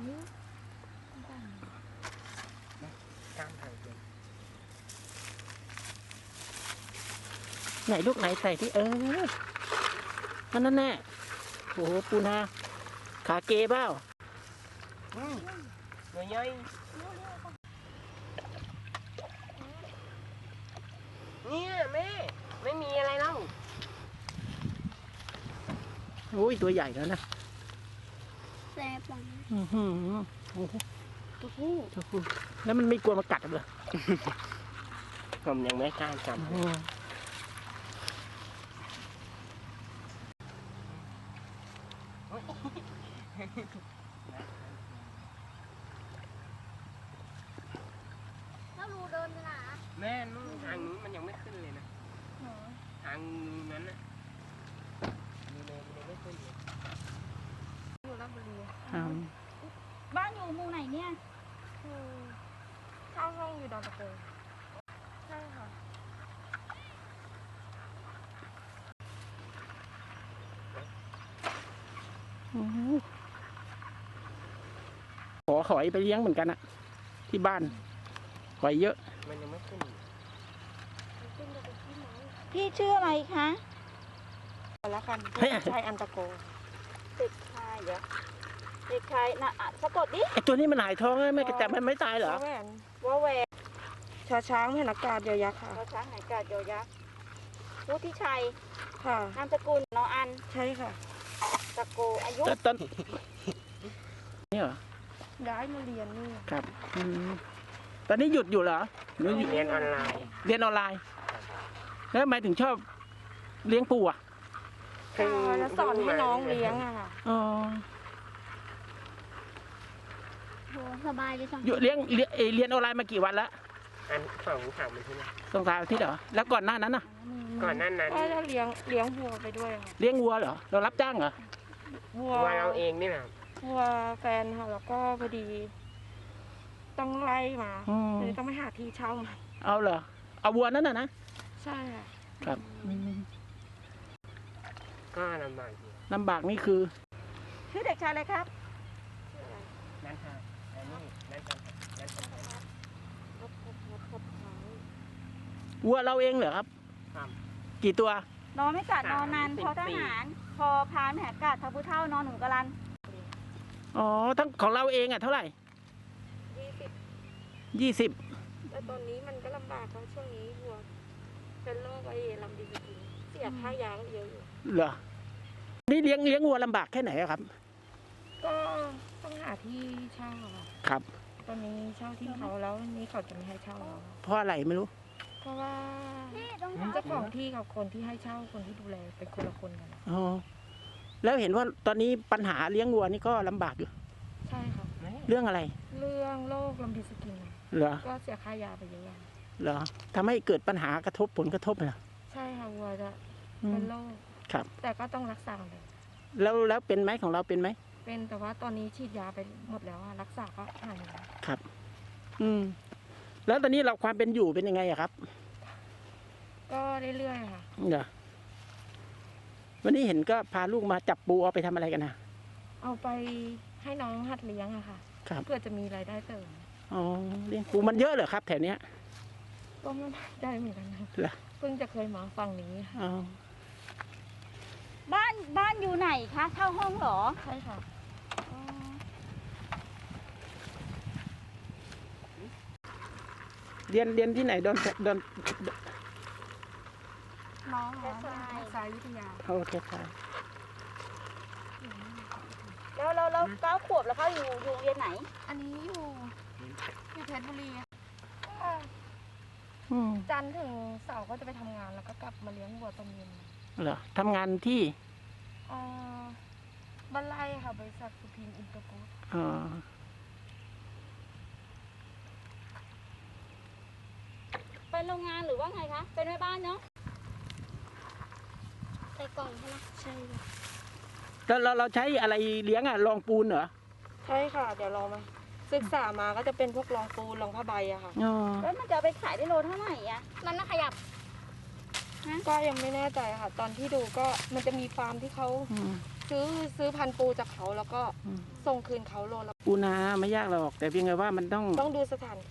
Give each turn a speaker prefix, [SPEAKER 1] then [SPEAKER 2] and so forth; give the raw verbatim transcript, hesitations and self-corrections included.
[SPEAKER 1] ไหนลูกไหนใส่ที่เออนั่นนั่นแน่โอ้โหปูนาขาเกเปล่าอืมใหญ่ใหญ่เนี่ยแม่ไม่มีอะไรแล้วโอ้ยตัวใหญ่แล้วนะ
[SPEAKER 2] แซ่บมาก
[SPEAKER 1] อือหือโอ้โหตัวผู้ตัวผู้แล้วมันไม่กลัวมากัดเหรอผมยังไม่กล้าจับ
[SPEAKER 2] แล้วรูเดินไปไหน
[SPEAKER 1] แม่นู่นทางนู้นมันยังไม่ขึ้นเลยนะทางนั้นนะมีเลยมันไม่ขึ้นเลย
[SPEAKER 2] อยู่ราชบุรี
[SPEAKER 3] บ้านอยู่หมู่ไหนเนี่ย
[SPEAKER 2] คือเช่าห้องอยู่ดอนตะโกใช่ค่ะ
[SPEAKER 1] ขอหอยไปเลี้ยงเหมือนกันอะที่บ้านหอยเยอะมันยังไม่ขึ้น
[SPEAKER 3] พี่ชื่ออะไรคะ
[SPEAKER 2] แล้วกันชายอันตะโก
[SPEAKER 3] เด็กชายเหรอเด็กชายน่ะสะกดดิ
[SPEAKER 1] ไอตัวนี้มันหายท้องไหมแต่มันไม่ตายเหรอ
[SPEAKER 2] ว่าแหวนว่าแหวนชาช้างเห็นอากาศเดียวยักษ์ค่ะ
[SPEAKER 3] ชาช้างเห็นอากาศเดียวยักษ์วุฒิชัย
[SPEAKER 2] ค่ะ
[SPEAKER 3] นามสกุลนออัน
[SPEAKER 2] ใช่ค่ะ
[SPEAKER 3] ตะโกอายุ
[SPEAKER 1] ตอนนี่เหรอ
[SPEAKER 2] ย้ายมาเรียนนี่
[SPEAKER 1] ครับตอนนี้หยุดอยู่เหรอเรียนออนไลน์เรียนออนไลน์แล้วทำไมถึงชอบเลี้ยงปูอ่ะ
[SPEAKER 2] คือสอนให้น้องเลี้ยงอะค่ะ
[SPEAKER 1] อ๋อ
[SPEAKER 3] โหสบายเลยจัง
[SPEAKER 1] อยู่เลี้ยงเรียนเรียนออนไลน์มากี่วันแล้ว
[SPEAKER 4] อันสองสามอาทิตย์นะ
[SPEAKER 1] สองสามอาทิตย์เหรอแล้วก่อนหน้านั้นน่ะ
[SPEAKER 4] ก่อนหน้านั้น
[SPEAKER 2] ก็เลี้ยงเลี้ยงวัวไปด้วย
[SPEAKER 1] เลี้ยงวัวเหรอเรารับจ้างเหรอ
[SPEAKER 2] วัว
[SPEAKER 4] เราเองนี่แหละ
[SPEAKER 2] วัวแฟนค่ะแล้วก็พอดีต้องไล่มาเลยต้องไปหาที่เช่ามา
[SPEAKER 1] เอาเหรอเอาวัวนั่นน่ะนะ
[SPEAKER 2] ใช่ค่ะ
[SPEAKER 1] ครับ
[SPEAKER 4] ก็ลำบาก
[SPEAKER 1] ลำบากนี่คือ
[SPEAKER 3] ชื่อเด็กชายอะไรครับ
[SPEAKER 4] นั่นค่ะอันนี้นั่นค่ะนั่นค่ะ
[SPEAKER 1] วัวเราเองเหรอครับกี่ตัวน
[SPEAKER 3] อนไม่กัดนอนนานพอทหารพอพานแหกกัดทับผู้เท่านอนหนุ่มกะลัน
[SPEAKER 1] อ๋อทั้งของเราเองอ่ะเท่าไหร่
[SPEAKER 2] ยี่สิบ
[SPEAKER 1] ยี่สิบ
[SPEAKER 2] แต่ตอนนี้มันก็ลำบากเพราะช่วงนี้วัวเป็นโรคไอ้ลำดีสกินเสียค่ายาเยอะอยู่
[SPEAKER 1] เหรอนี่เลี้ยงเลี้ยงวัวลำบากแค่ไหนครับ
[SPEAKER 2] ก็ต้องหาที่เช่า
[SPEAKER 1] ครับ
[SPEAKER 2] ตอนนี้เช่าที่เขาแล้วนี้เขาจะไม่ให้เช่าเรา
[SPEAKER 1] เพราะอะไรไม่รู้
[SPEAKER 2] เพราะว่าเจ้าของที่กับคนที่ให้เช่าคนที่ดูแลเป็นคนละคนกัน
[SPEAKER 1] อ๋อแล้วเห็นว่าตอนนี้ปัญหาเลี้ยงวัวนี่ก็ลำบากอยู่
[SPEAKER 2] ใช่ค่ะ
[SPEAKER 1] เรื่องอะไร
[SPEAKER 2] เรื่องโรคลำดีสกิน
[SPEAKER 1] เหรอ
[SPEAKER 2] ก็เสียค่ายาไปเยอะ
[SPEAKER 1] เหรอทำให้เกิดปัญหากระทบผลกระทบเหรอ
[SPEAKER 2] ใช่ค่ะวัวจะเป็นโรค
[SPEAKER 1] ครับ
[SPEAKER 2] แต่ก็ต้องรักษาเลย
[SPEAKER 1] แล้วแล้วเป็นไหมของเราเป็นไหม
[SPEAKER 2] เป็นแต่ว่าตอนนี้ฉีดยาไปหมดแล้วรักษาก็หายแล้ว
[SPEAKER 1] ครับอืมแล้วตอนนี้เราความเป็นอยู่เป็นยังไงอะครับ
[SPEAKER 2] ก็เรื่อยๆค่ะ
[SPEAKER 1] เหรอวันนี้เห็นก็พาลูกมาจับปูเอาไปทำอะไรกันนะ
[SPEAKER 2] เอาไปให้น้องหัดเลี้ยงอะค่ะเพื่อจะมีรายได้เสริม
[SPEAKER 1] อ๋อเลี้ยงปูมันเยอะเหรอครับแถวเนี้ย
[SPEAKER 2] ก็ไม่ได้เหมือนกันนะเพิ่งจะเคยมาฟังนี้ค่ะ
[SPEAKER 3] บ้านบ้านอยู่ไหนคะเช่าห้องเหรอ
[SPEAKER 2] ใช่ค่ะ
[SPEAKER 1] เรียนเรียนที่ไหนดอนดอน
[SPEAKER 2] น้องเหรอสายวิทยา
[SPEAKER 1] โอเคค่ะ
[SPEAKER 3] แล้วเราเราเก้าขวบแล้วเขาอยู่อยู่เรียนไหน
[SPEAKER 2] อันนี้อยู่อยู่เพชรบุรีจันทร์ถึงเสาร์ก็จะไปทำงานแล้วก็กลับมาเลี้ยงวัวตอนเย็น
[SPEAKER 1] เหรอทำงานที่
[SPEAKER 2] อ่าบ้านไร่ค่ะบริษัทสุพิมอินเตอร์โพส
[SPEAKER 1] อ๋อ
[SPEAKER 3] ไปโรงงานหรือว่าไงคะเป็นแม่บ้านเนาะใส่กล่องใช่ไหม
[SPEAKER 2] ใช่ค่ะ
[SPEAKER 1] แล้วเราเราใช้อะไรเลี้ยงอ่ะรองปูนเหรอ
[SPEAKER 2] ใช่ค่ะเดี๋ยวลองมาศึกษามาก็จะเป็นพวกรองปูนรองผ้าใบอะค่ะ
[SPEAKER 3] แล้วมันจะไปขายได้โลเท่าไหร่อะมันน่าขยับ
[SPEAKER 2] ก็ยังไม่แน่ใจค่ะ ตอนที่ดูก็มันจะมีฟาร์มที่เขา
[SPEAKER 1] อืม
[SPEAKER 2] ซื้อซื้อพันธุ์ปูจากเขาแล้วก็
[SPEAKER 1] อืม
[SPEAKER 2] ส่งคืนเขาโลละ
[SPEAKER 1] ปูนาไม่ยากหรอก แต่เพียงแต่ว่ามันต้อง
[SPEAKER 2] ต้องดูสถานที่